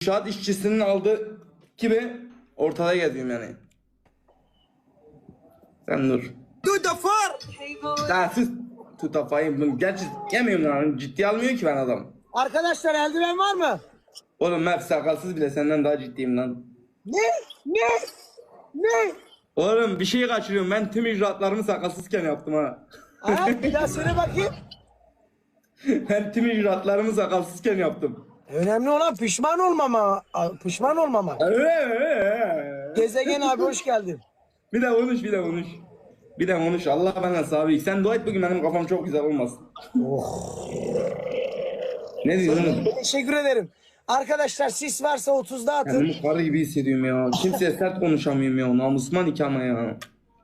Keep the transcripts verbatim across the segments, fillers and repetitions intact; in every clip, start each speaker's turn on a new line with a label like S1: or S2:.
S1: İnşaat işçisinin aldığı gibi ortada geziyorum yani. Sen dur.
S2: Tutafar.
S1: Daha siz tutafayım. Gerçi yemiyorum lan. Ciddi almıyor ki ben adam.
S2: Arkadaşlar eldiven var mı?
S1: Oğlum ben sakalsız bile senden daha ciddiyim lan.
S2: Ne? Ne? Ne?
S1: Oğlum bir şey kaçırıyorum. Ben tüm icraatlarımı sakalsızken yaptım ha.
S2: Ha, bir daha söyle bakayım.
S1: Ben tüm icraatlarımı sakalsızken yaptım.
S2: Önemli olan pişman olmama. Pişman olmama. Gezegen abi hoş geldin.
S1: Bir de konuş, bir de konuş. Bir de konuş. Allah benden sabit. Sen dua et bugün benim kafam çok güzel olmasın.
S2: Oh.
S1: Ne diyorsun?
S2: Teşekkür ederim. Arkadaşlar sis varsa otuzda atın.
S1: Kendimi karı gibi hissediyorum ya. Kimseye sert konuşamıyorum ya. Namusuma nikahıma ya.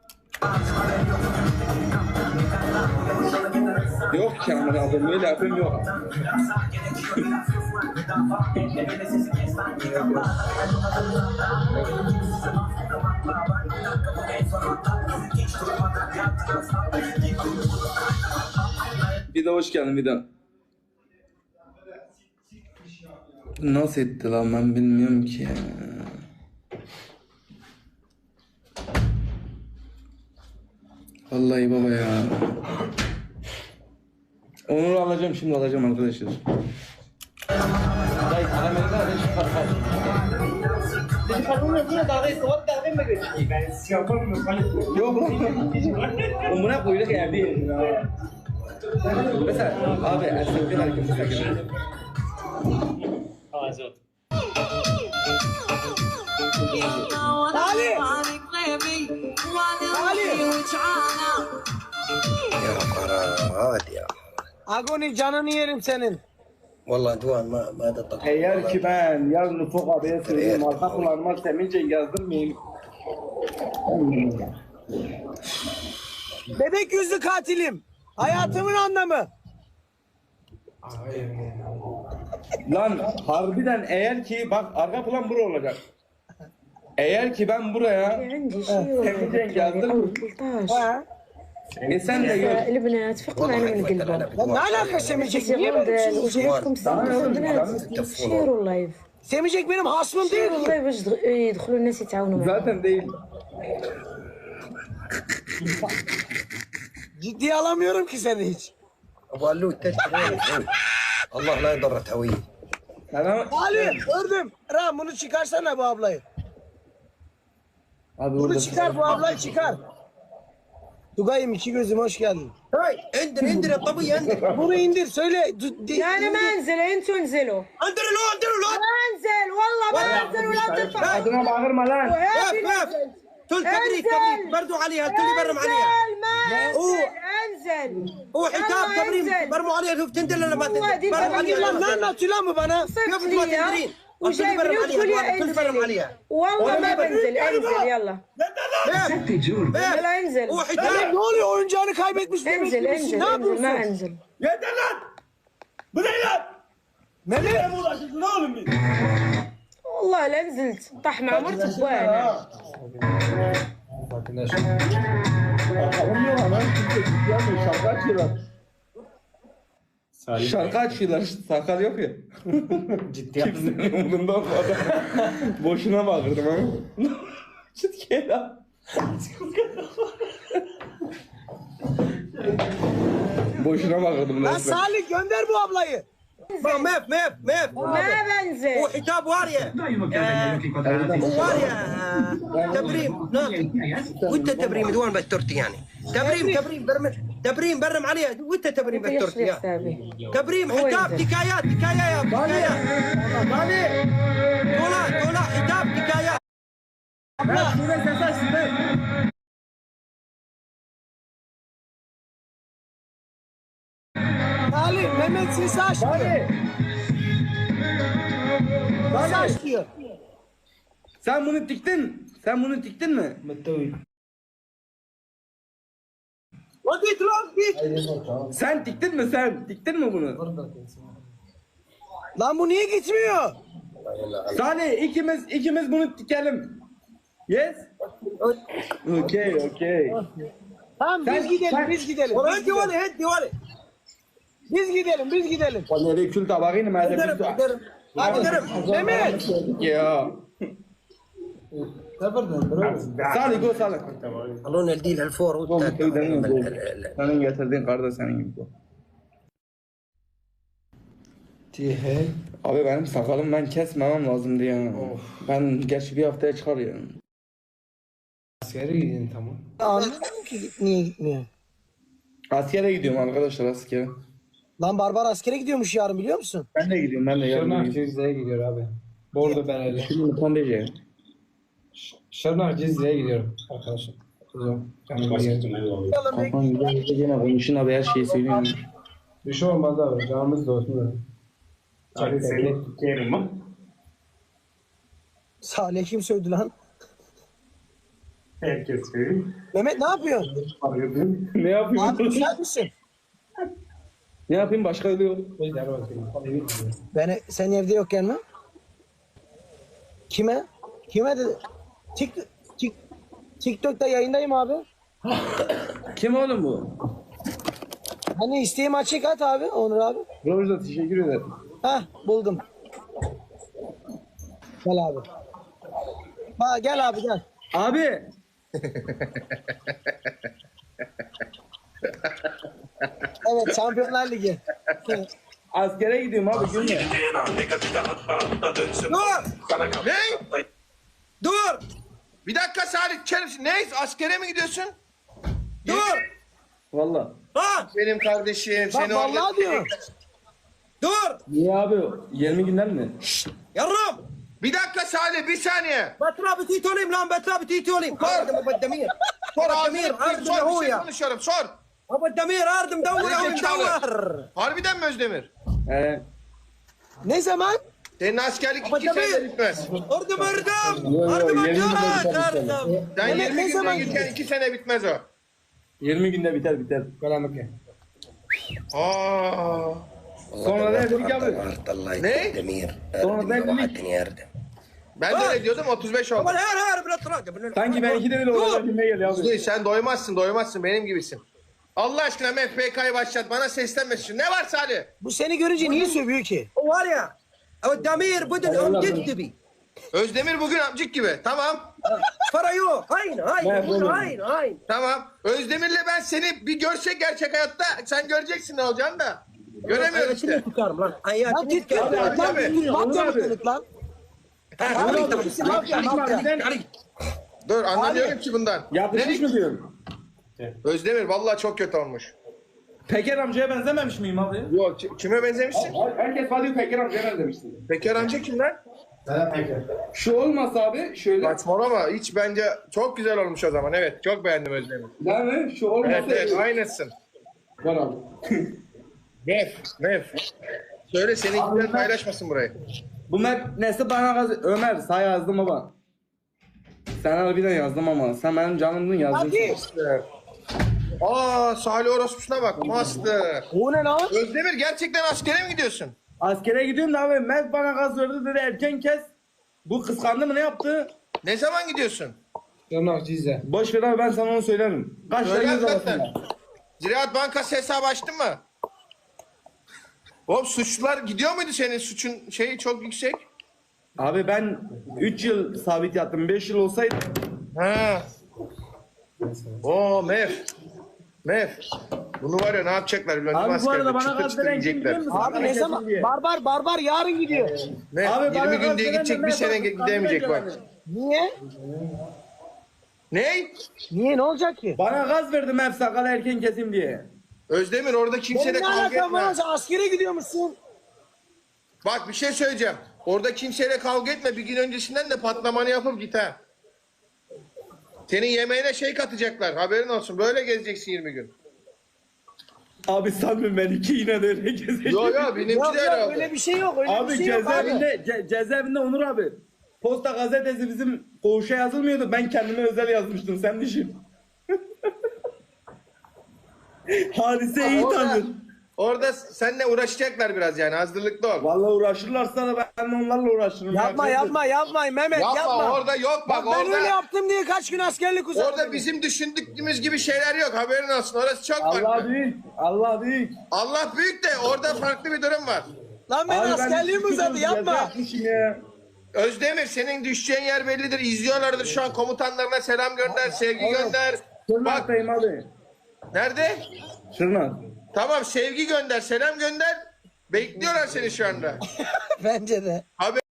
S1: Yok ki ama abi öyle yapayım yok. Bir de hoş geldin bir de. Nasıl etti lan ben bilmiyorum ki ya. Vallahi baba ya. Onur'u alacağım şimdi alacağım arkadaşlar. Yok Umur'a kuyruk geldi. Mesela abi erkekler hareketi
S2: Ali! Ali!
S3: يا قرارات يا
S2: Agoni canını yerim senin.
S3: والله دوان ما ما تطلع.
S1: Eğer ki ben yarın Ufuk abiye söyleyeyim arka kullanma semince yazdırmayayım.
S2: Bebek yüzlü katilim. Hayatımın anlamı.
S1: Lan harbiden eğer ki bak arka plan bura olacak. Eğer ki ben buraya semince yazdırmayayım.
S2: Ha?
S1: E sen de gör.
S4: البنات فقوا معنا من قلبهم
S2: Ya ne alaka Semicek? Niye böyle bir şey diyorsun?
S4: وجهكم سامعوا البنات شيروا اللايف
S2: Semicek benim hasmım değil
S4: شيروا
S2: ki.
S4: اللايف باش يدخلوا الناس يتعاونوا معنا
S1: Zaten değil.
S2: Ciddiye alamıyorum ki seni hiç.
S3: ابو علوت تشتري الله لا يضر هويه.
S1: Sana...
S2: Ali gördüm. Ram bunu çıkarsana bu ablayı.
S1: Abi
S2: Bunu
S1: orada
S2: çıkar bu ablayı çıkar. Tugay'ım iki gözüm hoş geldin.
S3: هاي اندر اندر الطبيعي اندر
S2: Bunu indir söyle. Du- di-
S4: لا انا ما انزل انتوا انزلوا
S3: اندر لو اندر لو
S4: ما انزل والله ما انزل ولا ترفع
S1: adına bağırma lan.
S4: وهذه
S3: وقف وقف
S4: نزل.
S3: تل تبريد
S4: انزل.
S3: تبريد بردوا عليها تل يبرم عليها
S4: انزل ما
S3: أوه.
S4: انزل انزل
S3: هو حجاب
S4: يلا
S3: تبريم
S4: انزل.
S3: برموا عليها شوف تندر ولا ما
S4: والله دي
S3: تندر برموا
S4: برمي
S3: عليها
S2: Lan ne anlatıyor lan bu bana?
S3: كيف ما تندرين
S4: وجايبني وتقول لي
S3: تل برم
S4: انزل
S3: عليها
S4: والله ما بنزل انزل يلا يلا انزل
S3: هو
S2: Mehmet
S3: حجاب
S2: ne oluyor oyuncağını kaybetmiş bebek
S4: انزل
S2: gibisin.
S4: انزل
S2: Ne
S4: انزل
S2: yapıyorsun?
S4: ما انزل
S1: Yeter lan. Bu ne lan?
S2: Mehmet
S1: Ne uğraşıyorsun oğlum biz?
S4: والله لا نزلت طاح مع مرتك وانا
S1: Bakalım yok lan. Kimse ciddi almıyor. Şarkı açıyorlar. Şarkı açıyorlar. Sakal yok ya. Ciddi Kimsenin umurunda olmadı. Boşuna bağırdım ama. Ciddi lan. Boşuna bağırdım
S2: lan
S1: resmen.
S2: Salih gönder bu ablayı.
S3: ميف ميف ميف
S4: ما بنزل
S3: هو حجاب وارية هو وارية تبريم ناقي وانت تبريم دوان بالتورتي يعني تبريم تبريم برم تبريم برم عليها وانت تبريم بالتورتي يا تبريم حجاب حكايات حكايات حكايات دولا دولا حجاب حكايات
S2: Salih Mehmet sesi aç diyor. Sesi aç diyor.
S1: Sen bunu diktin. Sen bunu diktin mi?
S2: O git lan git.
S1: Sen diktin mi sen? Diktin mi bunu?
S2: Lan bu niye gitmiyor?
S1: Salih ikimiz ikimiz bunu dikelim. Yes? Okay, okay.
S2: Tamam biz
S1: Sen-
S2: gidelim
S1: sen-
S2: biz gidelim. Biz
S3: هدي
S2: gidelim.
S3: ولي هدي ولي
S2: Biz gidelim biz gidelim.
S1: Vallahi kül tabağını madem
S3: درب درب
S2: Hadi Mehmet.
S1: Ya. Salih go Salih.
S3: خلونا الديل هالفور
S1: Oğlum,
S3: وانت
S1: köyden gol. Senin getirdiğin karda senin gibi bu.
S2: Tihe.
S1: Abi benim sakalım ben kesmemem lazımdı ya. Ben geç bir haftaya çıkar ya.
S5: Askere gidin tamam.
S2: Anlamadım ki niye gitmiyor.
S1: Askere gidiyorum arkadaşlar askere.
S2: Lan Barbar askere gidiyormuş yarın biliyor musun?
S1: Ben de gidiyorum ben de yarın
S5: Şırnak
S1: gidiyorum.
S5: Cizre'ye gidiyor abi. Bordo Bereli.
S1: Şimdi Kandece.
S5: Şırnak Cizre'ye gidiyorum arkadaşlar. Kuzum. Yani
S1: Kafam güzel gene konuşun abi her şeyi söylüyorum.
S5: bir şey olmaz abi. Canımız da olsun.
S6: Abi seni tutuyorum mu?
S2: Salih kim sövdü lan?
S6: Herkes söylüyor.
S2: Mehmet ne yapıyorsun?
S6: Arıyordum.
S1: Ne yapayım?
S2: Abi güzel misin?
S1: Ne yapayım başka yolu yok.
S2: Ben sen evde yokken mi? Kime? Kime dedi? Tik, tik, TikTok'ta yayındayım abi.
S1: Kim oğlum bu?
S2: Hani isteğim açık at abi Onur abi.
S1: Rojda teşekkür ederim.
S2: Hah buldum. Gel abi. Ha, gel abi gel.
S1: Abi.
S2: Evet Şampiyonlar Ligi.
S1: Askere gidiyorum abi gülme.
S3: Dur! Ne? Dur! Bir dakika Salih Çerif. Ne? Askere mi gidiyorsun? Dur!
S1: Valla.
S3: Ha!
S7: Benim kardeşim
S2: Bak
S7: seni orada...
S2: vallahi diyor.
S3: Dur!
S1: Niye abi? yirmi günden mi?
S3: Yarım!
S7: Bir dakika Salih bir saniye.
S3: بتراب تيتوليم لام بتراب تيتوليم اردم ابو الدمير
S7: Sor
S3: ابو
S7: ağzını
S3: الدمير
S7: sor,
S3: اردم
S7: sor bir şey
S3: هويا
S7: konuşuyorum sor.
S3: ابو الدمير اردم دور يا مدور
S7: Harbiden mi Özdemir?
S1: He.
S2: Ne zaman?
S7: Senin askerlik
S3: Ama
S7: iki
S3: tabii.
S7: senede bitmez.
S3: اردم اردم
S1: Yo, yo,
S3: اردم
S1: yirmi günde
S3: الجهات
S1: biter
S3: اردم
S7: Sen
S2: Evet,
S7: yirmi
S2: ne
S7: günde
S2: zaman
S7: gitken
S2: gidiyorsun?
S7: iki sene bitmez o.
S1: yirmi günde biter biter.
S5: Kalamıke.
S7: Aa.
S1: Sonra da evlilik abi.
S3: الله
S7: Ne?
S3: الدمير
S1: Sonra da evlilik.
S3: يا اردم
S7: Ben de öyle diyordum otuz beş oldu.
S3: ابو الهير هير بلا تراقب
S1: Sanki benimki de öyle olacak gibi geliyor abi.
S7: Değil, sen doymazsın doymazsın benim gibisin. Allah aşkına M F K'yı başlat bana seslenmesin. Ne var Salih?
S2: Bu seni görünce niye sövüyor ki?
S3: واريا ابو الدمير بدل ام جدبي
S7: Özdemir bugün amcık gibi. Tamam.
S3: فريو هاين هاين هاين هاين
S7: Tamam. Özdemir'le ben seni bir görsek gerçek hayatta sen göreceksin ne olacağını da. Göremiyoruz işte.
S3: اياتي تكرم lan اياتي
S2: Lan git git.
S7: Abi,
S2: Lan
S7: abi.
S2: git. Mafya mısınız lan? Abi git. Mafya mafya.
S7: Dur anlamıyorum ki bundan.
S1: Yapışmış mı diyorum?
S7: Özdemir vallahi çok kötü olmuş.
S1: Peker amcaya benzememiş miyim abi?
S7: Yok ki- kime benzemişsin?
S1: Herkes bana diyor Peker amcaya benzemişsin.
S7: Peker amca kim lan?
S1: Şu olmasa abi şöyle.
S7: Saçmalama hiç bence çok güzel olmuş o zaman evet çok beğendim Özdemir.
S1: Değil mi? Şu olmasa.
S7: Evet evet aynısın.
S1: Var abi.
S7: Nef Nef. Söyle seninkiler paylaşmasın burayı.
S1: Bu map nesi bana gaz... Ömer sana yazdım baba. Sen harbiden yazdım ama sen benim canımdın yazdın.
S2: Hadi.
S7: Aa Salih Orospu'na bak master.
S2: O ne lan?
S7: Özdemir gerçekten askere mi gidiyorsun?
S1: Askere gidiyorum da abi Mert bana gaz verdi dedi erken kes. Bu kıskandı mı ne yaptı?
S7: Ne zaman gidiyorsun?
S5: Şırnak Cizre.
S1: Boş ver abi ben sana onu söylerim. Kaç
S7: Söyle
S1: tane yüz
S7: hakikaten.
S1: arasında?
S7: Ziraat Bankası hesabı açtın mı? Oğlum suçlular gidiyor muydu senin suçun şeyi çok yüksek?
S1: Abi ben üç yıl sabit yattım. beş yıl olsaydı
S7: Ha. Oo Mef. Mef. Bunu var ya ne yapacaklar biliyor musun?
S1: Abi bu arada
S7: Askerde
S1: bana
S7: çıtır
S1: gaz
S7: çıtır
S1: veren kim
S7: yiyecekler.
S1: biliyor musun?
S2: Abi ne zaman? Barbar barbar yarın gidiyor.
S7: Mef
S1: Abi bana
S7: yirmi
S1: gaz
S7: gün diye
S1: veren
S7: gidecek
S1: de
S7: bir
S1: Mert
S7: sene
S1: abi,
S7: gidemeyecek bak.
S1: kandıracak
S2: Niye?
S7: Ne?
S2: Niye ne olacak ki?
S1: Bana gaz verdi Mert sakalı erken kesim diye.
S7: Özdemir orada kimseyle
S2: Benim ne
S7: kavga
S2: alakam
S7: etme.
S2: var? Sen askere gidiyormuşsun.
S7: Bak bir şey söyleyeceğim. Orada kimseyle kavga etme. Bir gün öncesinden de patlamanı yapıp git ha. Senin yemeğine şey katacaklar. Haberin olsun. Böyle gezeceksin yirmi gün.
S1: Abi sanmıyorum ben iki yine de öyle gezeceğim.
S7: Yo yo benimki
S2: Yok
S7: de öyle
S2: yok
S7: oldu.
S2: öyle bir şey yok. Öyle
S1: Abi
S2: bir şey yok abi.
S1: cezaevinde, ce- cezaevinde Onur abi. Posta gazetesi bizim koğuşa yazılmıyordu. Ben kendime özel yazmıştım. Sen düşün. Hadise iyi
S7: Orada,
S1: tanır.
S7: orada seninle uğraşacaklar biraz yani. Hazırlıklı ol.
S1: Vallahi uğraşırlarsa da ben de onlarla uğraşırım.
S2: Yapma
S1: Ya.
S2: yapma yapma Mehmet
S7: Yapma,
S2: yapma.
S7: orada yok bak,
S2: Bak ben
S7: orada-
S2: öyle yaptım diye kaç gün askerlik uzattım.
S7: Orada bizim düşündüğümüz gibi şeyler yok. Haberin olsun. Orası çok
S1: Allah
S7: farklı.
S1: büyük. Allah büyük.
S7: Allah büyük de orada farklı bir durum var.
S2: Lan ben
S1: Abi ben
S2: askerliğim uzadı yapma.
S1: yapmışım ya.
S7: Özdemir senin düşeceğin yer bellidir. İzliyorlardır şu an. Komutanlarına selam gönder, sevgi gönder. Bak
S1: Şırnak'tayım abi.
S7: nerede?
S1: Şırnak.
S7: Tamam sevgi gönder, selam gönder. Bekliyorlar seni şu anda.
S2: Bence de.
S7: Haber